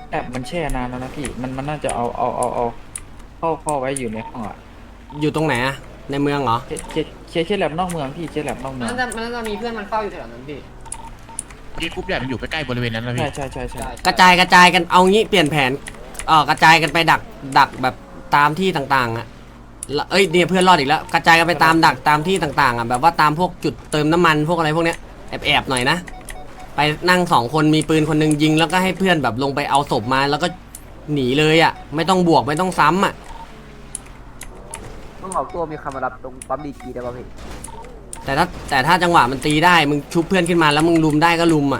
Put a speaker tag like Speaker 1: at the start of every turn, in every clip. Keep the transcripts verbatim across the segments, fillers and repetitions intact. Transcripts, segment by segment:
Speaker 1: แอบมันแช่นานแล้วนะพี่มันมันน่าจะเอาเอาเอาเอาเข้าเข้าไว้อยู่ในห้องอ่ะ
Speaker 2: อยู่ตรงไหนอะในเมืองเหรอ
Speaker 1: เคเคเคเคแลบนอกเมืองพี่เคแลบนอกเมือง
Speaker 3: มันน่าจะมันน่าจะมีเพื่อนมันเฝ้าอยู่แถวนั้นพี่
Speaker 4: ที่กรุ๊ปใหญ่มันอยู่ใกล้ๆบริเวณนั้นนะพี่
Speaker 1: ใช่ใช่ใช่ใช่
Speaker 2: กระจายกระจายกันเอางี้เปลี่ยนแผนเออกระจายกันไปดักดักแบบตามที่ต่างๆอะแล้วเอ้ยเนี่ยเพื่อนรอดอีกแล้วกระจายกันไปตามดักตามที่ต่างๆอะแบบว่าตามพวกจุดเติมน้ำมันพวกอะไรพวกเนี้ยแอบแอบหน่อยนะไปนั่งสองคนมีปืนคนหนึงยิงแล้วก็ให้เพื่อนแบบลงไปเอาศพมาแล้วก็หนีเลยอะไม่ต้องบวกไม่ต้องซ้ำอะ
Speaker 5: ต้องออกตัวมีคำมารับตรงปั๊มดีจีได้ป่ะพี่
Speaker 2: แต่ถ้าแต่ถ้าจังหวะมันตีได้มึงชุบเพื่อนขึ้นมาแล้วมึงลุมได้ก็ลุมอะ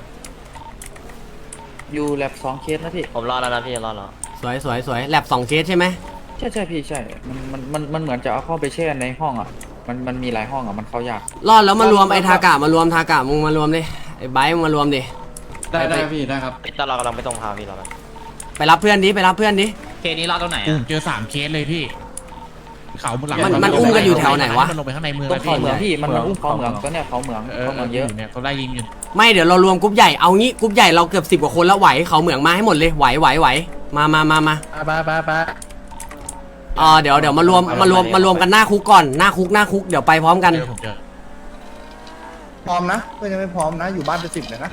Speaker 1: อยู่แลบสองเคสนะพี่
Speaker 6: ผมรอแล้วนะพี่รอแล้ว
Speaker 2: สวยสวยสวยแลบสองเคสใช่ไหม
Speaker 1: ใช่ใช่พี่ใช่มันมันมันมันเหมือนจะเอาเข้าไปแช่ในห้องอ่ะมันมันมีหลายห้องอ่ะมันเข้ายาก
Speaker 2: รอดแล้วมารวมไอ้ทากะมารวมทากะมึงมารวมดิไอ้ไบร์ทมึงมารวมดิ
Speaker 7: ได้ได้พี่ได้ครับ
Speaker 6: พี่ตลอดกำลังไปตรงพาพี่รอแล้ว
Speaker 2: ไปรับเพื่อนดิไปรับเพื่อนดิ
Speaker 3: เคสนี้รอตรงไหน
Speaker 4: อื
Speaker 3: อ่ะ
Speaker 4: มเจอสามเคสเลยพี่เขาหลัง
Speaker 2: มันมันอุ้มกันอยู่แถวไหนวะ
Speaker 4: มันลงไปข้างในเมือง
Speaker 1: ตร
Speaker 4: แล้ว
Speaker 1: งเขาเหมือง
Speaker 4: พี่
Speaker 1: พี่มันมันอุ้มเขาเหมืองตัวเนี้ยเขาเหมือง
Speaker 4: เออ
Speaker 1: เขาเหมืองเยอะ
Speaker 4: เนี่ยเขาไล่ยิงอยู่
Speaker 2: ไม่เดี๋ยวเรารวมกรุ๊ปใหญ่เอางี้กรุ๊ปใหญ่เราเกือบสิบกว่าคนแล้วไหวเขาเหมืองมาให้หมดเลยไหวไหวไหวมามามามา
Speaker 7: ไปไปไป
Speaker 2: เออเดี๋ยวเดี๋ยวมารวมมารวมมารวมกันหน้าคุกก่อนหน้าคุกหน้าคุกเดี๋ยวไปพร้อมกัน
Speaker 4: เจอผมเจอ
Speaker 7: พร้อมนะเพื่อนยังไม่พร้อมนะอยู่บ้านเป็นสิบเลยนะ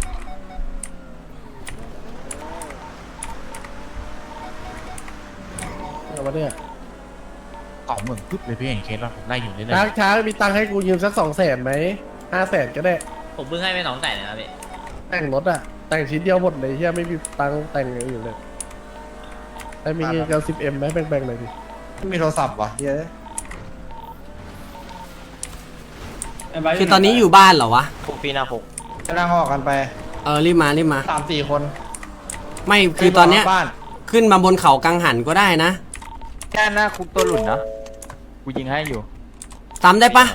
Speaker 7: เอาวะเนี่ย
Speaker 4: เขาเหมืองปึ๊บเลยพี่เห็นเคสแล้วผมไล่อยู่เรื่อย
Speaker 7: ช้างช้างมีตังค์ให้กูยืมสักสองแสนไหมห้าแสนก็ได้
Speaker 3: ผมเพิ่งให้ไปน้องแต่เลยนะพี่
Speaker 7: แต่งรถอะแต่งชิ้นเดียวหมดเลยเฮียไม่มีตังค์แต่งอย่างอื่นเลยแต่มีเงินกันสิบเอ็มไหมแบ่งๆหน่อยดิไม่มีโทรศัพท์วะเฮีย
Speaker 2: คือตอนนี้อยู่บ้านเหรอวะ
Speaker 6: คุกพี่หน้าคุก
Speaker 7: จะนั่งออกกันไป
Speaker 2: เออรีบมารีบมา
Speaker 7: สามสี่คน
Speaker 2: ไม่คือตอนเนี้ย
Speaker 7: บ้าน
Speaker 2: ขึ้นมาบนเขากังหันก็ได้นะ
Speaker 5: แค่หน้าคุกตัวหลุดนะกูยิงให้อยู่
Speaker 2: ซ้ำได้ปะ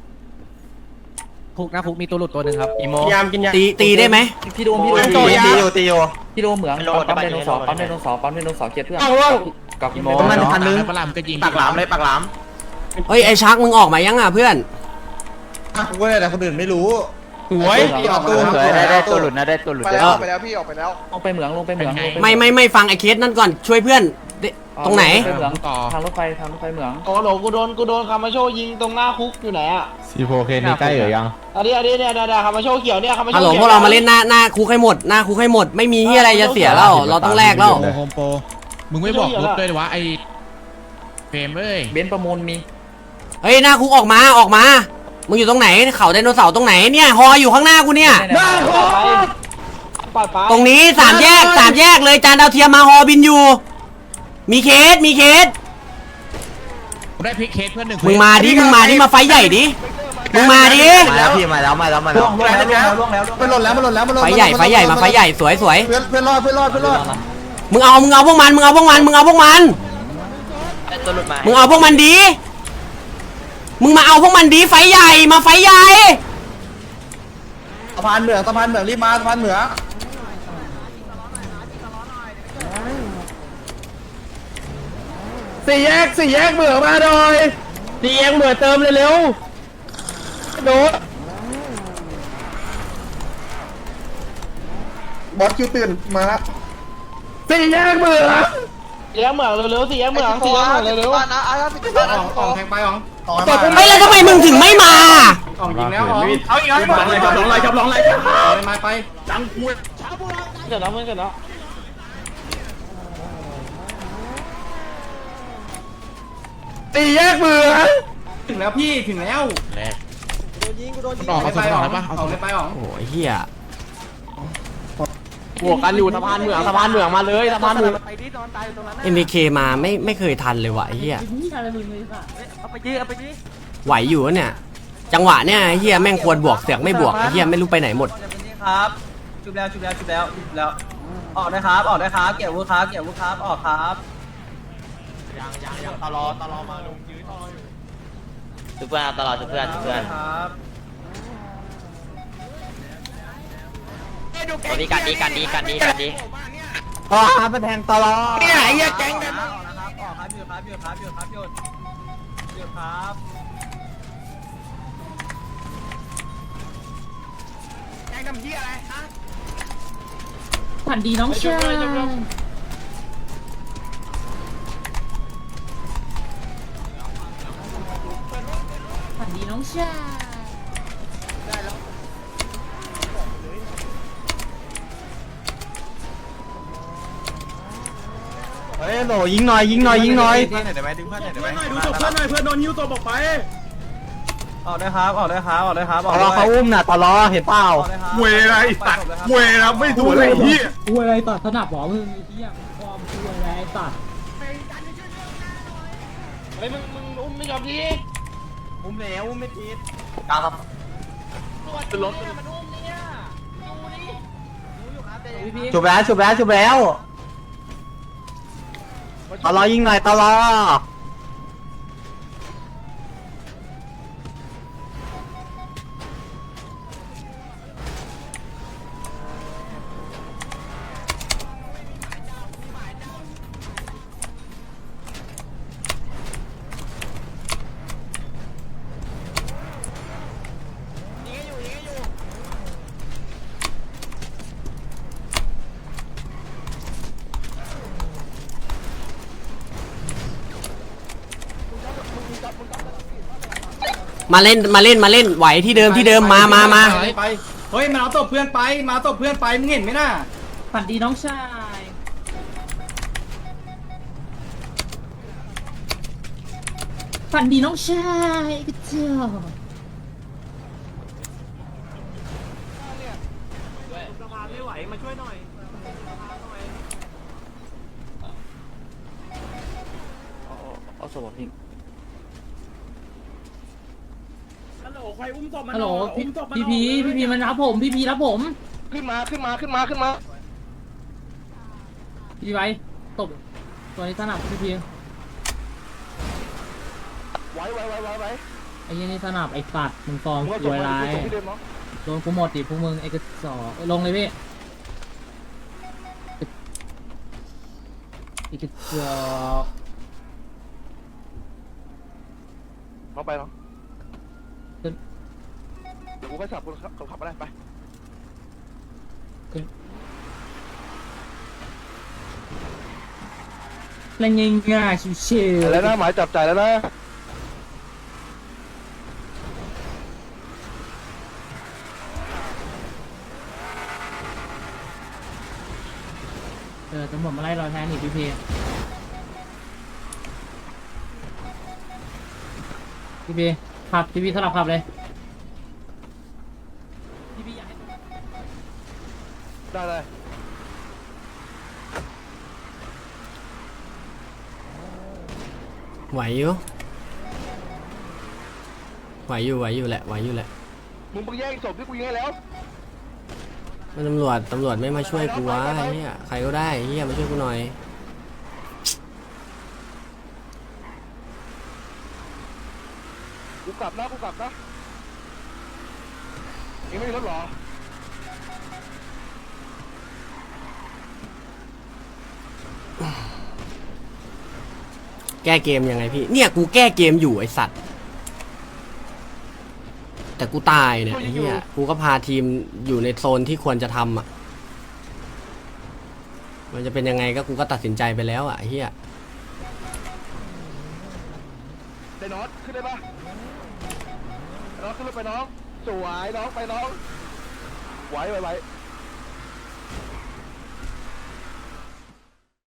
Speaker 3: คุกนะคุกมีตัวหลุดตัวหนึ่งครับอีโม
Speaker 7: ยามกินยา
Speaker 2: ตีตีได้ไหม
Speaker 1: พี่โดมพี่โดม
Speaker 7: ตีตีอยู่ตีอยู่
Speaker 1: พี่โดมเหมืองปั๊มไดโนเสาร์ปั๊มไดโนเสาร์ปั๊มไดโนเสาร์เคสเพื่อน
Speaker 7: เอาวะ
Speaker 1: กับพี่โม
Speaker 4: ๆมันพันนึงปลามก็ยิง
Speaker 7: ปากหลามเลยปากหลาม
Speaker 2: เฮ้ยไอ้ชักมึงออกมายังอ่ะเพื่อน
Speaker 7: กูก็ได้แต่คนอื่นไม่รู้
Speaker 1: สวย
Speaker 7: ออกตัว
Speaker 5: สวยได้ได้ตัวหลุดนะได้ตัวหลุด
Speaker 7: ไป
Speaker 5: ได้
Speaker 7: แล้วไปแล้วพี่ออกไปแล้ว
Speaker 1: ลงไปเหมืองลงไปเหมือง
Speaker 2: ไม่ไม่ไม่ฟังไอ้เคสนั่นก่อนช่วยเพื่อนดิตรงไหน
Speaker 1: ไปเหมืองทางรถไฟทางรถไฟเหมือง
Speaker 8: โอ้โหกูโดนกูโดนคามาโชยิงตรงหน้าคุกอยู่ไหนอ่ะ
Speaker 7: ซีโฟเคนนี่ใกล้หรือยัง
Speaker 8: อันนี้อันนี้เนี่ยเนี่ยคามาโชเขียวเนี่ยคามาโช
Speaker 2: ฮัลโหล
Speaker 8: ขีย
Speaker 2: พวกเรามาเล่นหน้าหน้าคุกให้หมดหน้าคุกให้หมดไม่มีที่อะไรจะเสียแล้วเราต้องแลกแล้ว
Speaker 4: โฮมโปรมึงไม่บอกรถด้วยวะไอ้เฟรมเอ้ย
Speaker 1: เบนซ์ประมูลมี
Speaker 2: เฮ้ยหน้าคุกออกมาออกมามึงอยู่ตรงไหนเขาไดโนเสาร์ตรงไหนเนี่ยฮออยู่ข้างหน้ากูเนี่ย
Speaker 8: ปาดฟ้า
Speaker 2: ตรงนี้สามแยกสามแยกเลยจานดาวเทียมมาฮอบินอยู่ มีเคสมีเคส
Speaker 4: ผมได้พลิกเคสเพื่อนหนึ่ง
Speaker 2: มึงมาดิมึงมาดิมาไฟใหญ่ดิมึงมาดิ
Speaker 5: มาแล้วพี่มาแล้วมาแล้วมาแล้ว
Speaker 7: ล่วงแล้วล่วงแล้วล่วงแล้วมันหล่นแล้วมันหล่นแล้วมันหล่น
Speaker 2: ไฟใหญ่ไฟใหญ่มาไฟใหญ่สวยสวย
Speaker 7: เพื่อนเพื่อนรอดเพื่อนรอดเพื่อนรอด
Speaker 2: มึงเอามึงเอาพวกมันมึงเอาพวกมันมึงเอาพวกมัน
Speaker 6: ตัวหลุดมา
Speaker 2: มึงเอาพวกมันดีมึงมาเอาพวกมันดีไฟใหญ่มาไฟใหญ่
Speaker 7: สะพานเหมืองสะพานเหมืองรีบมาสะพานเหมืองสี่แยกสี่แยกเหมืองมาหน่อยสี่แยกเหมืองเติมเร็วๆโดดบอสคิวตื่นมาละสี่แยกเหมือง
Speaker 8: สี่แยกเหมืองเร็วๆสี่แยกเหมืองสี่แยกเหมืองเร็ว
Speaker 7: ออกออกแทงไปออกออก
Speaker 2: ไม่แล้วทำไมมึงถึงไม่มา
Speaker 7: ออกยิงแล้วออกเอาอีกแล้วจับลงเลยจับลงเลยจับลงเลยมาไปจังกู
Speaker 8: ๆเสร็จแล้วเพื่อนเสร็จแล้ว
Speaker 7: สี่แยกเหมืองถึงแล้วพี่ถึงแล้ว
Speaker 4: แรกออกเอาสดออกได้ปะเอาสด
Speaker 7: ไปออก
Speaker 2: โอ้ยเฮีย
Speaker 8: บวกกันอยู่สะพานเหมืองสะพานเหมืองมาเลยสะพานเหมือง
Speaker 2: เอ็มเคมาไม่ไม่เคยทันเลยว่ะไอ้เฮียไหวอยู่วะเนี่ยจังหวะเนี่ยไอ้เฮียแม่งควรบวกเสือกไม่บวกไอ้เฮียไม่รู้ไปไหนหมด
Speaker 3: ครับชุบแล้วชุบแล้วชุบแล้วชุบแล้วออกได้ครับออกได้ครับเกี่ยววุ้ครับเกี่ยววุ้ครับออกครับยังยังยังตลอดตลอดมาลุงยื้อต่ออยู่
Speaker 6: ชุบเพื่อนตลอดชุบเพื่อนชุบเพื่อน
Speaker 3: ครับ
Speaker 6: วันนี้กันดีกันดีกันดีกันดี
Speaker 5: อ๋อมันแทงตลอด
Speaker 7: เนี่ยไอ้เหี้ยแก๊ง
Speaker 3: ออกนะครับออกครับหยุดครับหยุดครับหยุดครับหยุดหยุดครับ
Speaker 9: ฝันดีน้องชายฝันดีน้องชาย
Speaker 3: เฮ้ยโหยิงหน่อยยิงหน่อยยิงหน่อย
Speaker 7: เพื่อนหน่อยได้ไหมดึงเพื่อนหน่อยได้ไหม
Speaker 3: ดูศพเพื่อนหน่อยเพื่อนโดนยิ้วตัวบอกไปออกได้ครับออกได้ครับออกได้ครับออกได้เขาอุ้มน่ะตลอเห็นเปล่า
Speaker 7: เวไรตัดเวรไม่ถูกเลยพี่
Speaker 9: กูอะไรตัดสนับหรอมึงไอ้เหี้ยความกูอะไรตัด
Speaker 8: เฮ้ยมึงมึงอุ้มไม่ยอมที
Speaker 3: อุ้มแล้วอุ้มไม่ติดกลางครับ
Speaker 8: รถมันอุ้มเนี่ยดูดิ
Speaker 3: ชุบแล้วชุบแล้วชุบแล้วตลอยิงหน่อยตลอ
Speaker 2: มาเล่นมาเล่นมาเล่นไหวที่เดิมที่เดิมมามามา
Speaker 3: ไปเฮ้ยมันเอาตบเพื่อนไปมาตบเพื่อนไปมึงเห็นไหมน่ะ
Speaker 9: ฝันดีน้องชายฝันดีน้องชายก็เจ้า
Speaker 3: ไม่ไหวมาช่วยหน่อย
Speaker 1: เอาเอาสวอปทิ้ง
Speaker 3: ฮัลโหลใครอุ้มศพมา
Speaker 9: ฮัลโหลพี่พี่พีพี่พีมันรับผมพี่พีรับผม
Speaker 8: ขึ้นมาขึ้นมาขึ้นมาขึ้นมา
Speaker 9: พี่ไว้ตบตัวนี้สนับพี่พี
Speaker 8: ไหวไหวไหวไหวไหว
Speaker 9: ไอ้ยี่นี่สนับไอ้สัตว์มึงฟอร์ม
Speaker 8: มึงเอา
Speaker 9: รวยร้าย
Speaker 8: ที่เดิมเนาะ
Speaker 9: โดนกูหมดดิพวกมึงไอ้กระสอบลงเลยพี่ไอ้กระสอบ
Speaker 8: น้องไปเนาะเดี๋ยวกูก็ขับกูขับขับอะไรไป
Speaker 9: เล่นง่ายๆชิวๆ
Speaker 8: แล้วนะหมายจับจ่ายแล้วนะ
Speaker 9: เออตำรวจมาไล่เราแทนอีกพี่พีพี่พีขับพี่พีสลับขับเลยพี่พีอยากให้
Speaker 8: ได้เลย
Speaker 2: ไหวอยู่ไหวอยู่ไหวอยู่แหละไหวอยู่แหละ
Speaker 8: มึงไปแย่งศพที่กูยิงให้แล้ว
Speaker 2: มันตำรวจตำรวจไม่มาช่วยกูวะไอ้เหี้ยใครก็ได้เหี้ยมาช่วยกูหน่อย
Speaker 8: กูกลับนะกูกลับนะเองไม่มีรถหรอ
Speaker 2: แก้เกมยังไงพี่เนี่ยกูแก้เกมอยู่ไอสัตว์แต่กูตายเนี่ยไอ้เหี้ยกูก็พาทีมอยู่ในโซนที่ควรจะทำอ่ะมันจะเป็นยังไงก็กูก็ตัดสินใจไปแล้วอ่ะไอ้เหี้ย
Speaker 8: ได้น็อตขึ้นได้ปะน็อตขึ้นรถไปน้องสวยน้องไปน้องไหวไหวไหว